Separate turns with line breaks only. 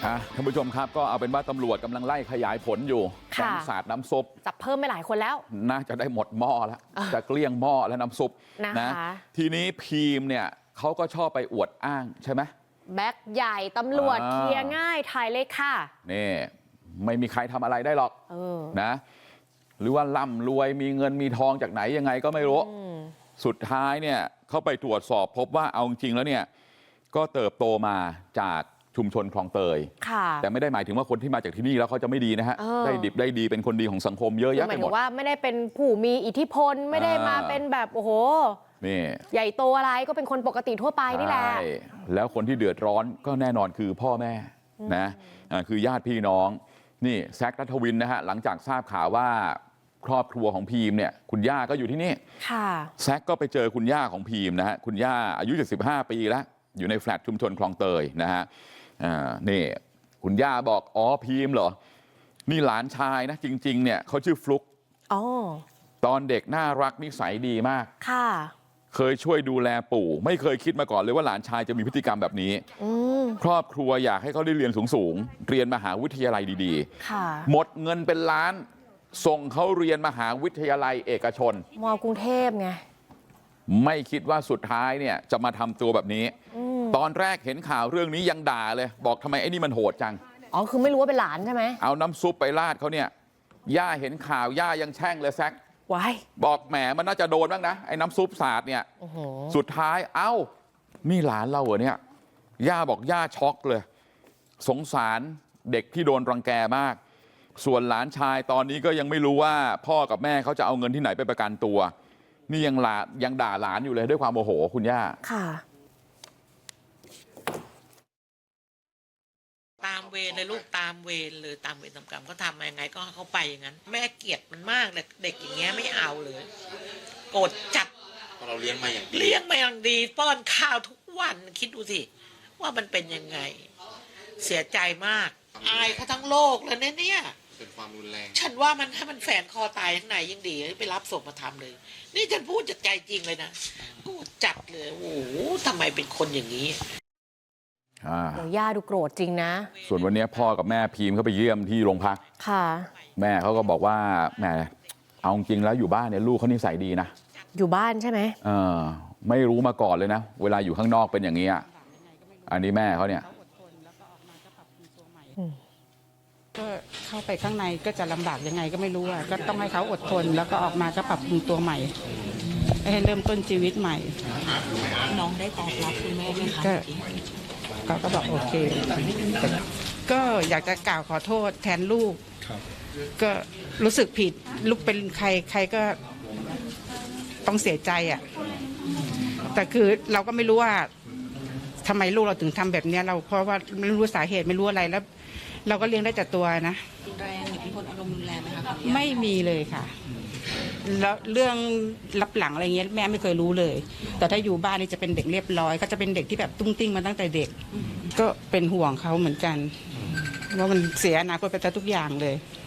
ท่านผู้ชมครับก็เอาเป็นว่าตำรวจกำลังไล่ขยายผลอยู่แก๊งสาดน้ำซุป
จับเพิ่มไปหลายคนแล้ว
น่าจะได้หมดหม้อแล้วจะเกลี้ยงหม้อแล้วน้ำซุปนะทีนี้พีมเนี่ยเขาก็ชอบไปอวดอ้างใช่ไหม
แบ็คใหญ่ตำรวจเคลียร์ง่ายถ่ายเลยค่ะ
นี่ไม่มีใครทำอะไรได้หรอกนะหรือว่าร่ำรวยมีเงินมีทองจากไหนยังไงก็ไม่รู้สุดท้ายเนี่ยเขาไปตรวจสอบพบว่าเอาจริงแล้วเนี่ยก็เติบโตมาจากชุมชนคลองเตยแต่ไม่ได้หมายถึงว่าคนที่มาจากที่นี่แล้วเขาจะไม่ดีนะฮะได้ดิบได้ดีเป็นคนดีของสังคมเยอะแยะไปหมด
ว่าไม่ได้เป็นผู้มีอิทธิพลไม่ได้มาเป็นแบบโอ้โห
นี่
ใหญ่โตอะไรก็เป็นคนปกติทั่วไปนี่แหละ
แล้วคนที่เดือดร้อนก็แน่นอนคือพ่อแม่นะคือญาติพี่น้องนี่แซค ณัฐวินนะฮะหลังจากทราบข่าวว่าครอบครัวของพีมเนี่ยคุณย่าก็อยู่ที่นี่แซคก็ไปเจอคุณย่าของพีมนะฮะคุณย่าอายุ75 ปีแล้วอยู่ในแฟลตชุมชนคลองเตยนะฮะนี่คุณย่าบอกอ๋อพีมเหรอนี่หลานชายนะจริงๆเนี่ยเขาชื่อฟลุ๊กตอนเด็กน่ารักนิสัยดีมากเคยช่วยดูแลปู่ไม่เคยคิดมาก่อนเลยว่าหลานชายจะมีพฤติกรรมแบบนี้ครอบครัวอยากให้เขาได้เรียนสูงๆเรียนมหาวิทยาลัยดีๆหมดเงินเป็นล้านส่งเขาเรียนมหาวิทยาลัยเอกชน
มกรุงเทพไง
ไม่คิดว่าสุดท้ายเนี่ยจะมาทำตัวแบบนี้ตอนแรกเห็นข่าวเรื่องนี้ยังด่าเลยบอกทำไมไอ้นี่มันโหดจัง
คือไม่รู้ว่าเป็นหลานใช่ไหม
เอาน้ำซุปไปราดเขาเนี่ยย่าเห็นข่าวย่ายังแช่งเลยแซคบอกแหมมันน่าจะโดนบ้างนะไอ้น้ำซุปสาดเนี่ยสุดท้ายนี่หลานเราเหรอเนี่ยย่าบอกย่าช็อกเลยสงสารเด็กที่โดนรังแกมากส่วนหลานชายตอนนี้ก็ยังไม่รู้ว่าพ่อกับแม่เขาจะเอาเงินที่ไหนไปประกันตัวนี่ยังด่าหลานอยู่เลยด้วยความโมโหคุณย่า
ตามเวรเลยลูกตามเวรเลยตามเวรตามกรรมเขาทำยังไงก็เขาไปอย่างนั้นแม่เกลียดมันมากเลยเด็กอย่างเงี้ยไม่เอาเลยโกรธจัด
เราเลี้ยงมาอย่าง
ดีป้อนข้าวทุกวันคิดดูสิว่ามันเป็นยังไงเสียใจมากอายเขาทั้งโลกเลยเนี่ย
เป็นความรุนแรง
ฉันว่ามันถ้ามันแฝงคอตายข้างในยิ่งดีไปรับศพมาทำเลยนี่ฉันพูดจากใจจริงเลยนะโกรธจัดเลยโอ้โหทำไมเป็นคนอย่างนี้
ย่าดูโกรธจริงนะ
ส่วนวันนี้พ่อกับแม่พีมเขาไปเยี่ยมที่โรงพักแม่เขาก็บอกว่าแหมเอาจริงแล้วอยู่บ้านเนี่ยลูกเขานิสัยดีนะ
อยู่บ้านใช่ไหม
ไม่รู้มาก่อนเลยนะเวลาอยู่ข้างนอกเป็นอย่างนี้อันนี้แม่เขาเนี่ย
ก็เข้าไปข้างในก็จะลำบากยังไงก็ไม่รู้ก็ต้องให้เขาอดทนแล้วก็ออกมาก็ปรับปรุงตัวใหม่ให้เริ่มต้นชีวิตใหม่
น้องได้ตอบรับคุณแม่ไหมคะ
เขาก็บอกโอเคก็อยากจะกล่าวขอโทษแทนลูกก็รู้สึกผิดลูกเป็นใครก็ต้องเสียใจแต่คือเราก็ไม่รู้ว่าทำไมลูกเราถึงทำแบบนี้เราเพราะว่าไม่รู้สาเหตุไม่รู้อะไรแล้วเราก็เลี้ยงได้แต่ตัวนะ
แรงหรือเป็นคนอารมณ์รุนแรงไหมคะ
ไม่มีเลยค่ะแล้วเรื่องรับหลังอะไรเงี้ยแม่ไม่เคยรู้เลยแต่ถ้าอยู่บ้านนี่จะเป็นเด็กเรียบร้อยก็จะเป็นเด็กที่แบบตุ้งติ้งมาตั้งแต่เด็กก็เป็นห่วงเขาเหมือนกันว่ามันเสียอนาคตไปแต่ทุกอย่างเลย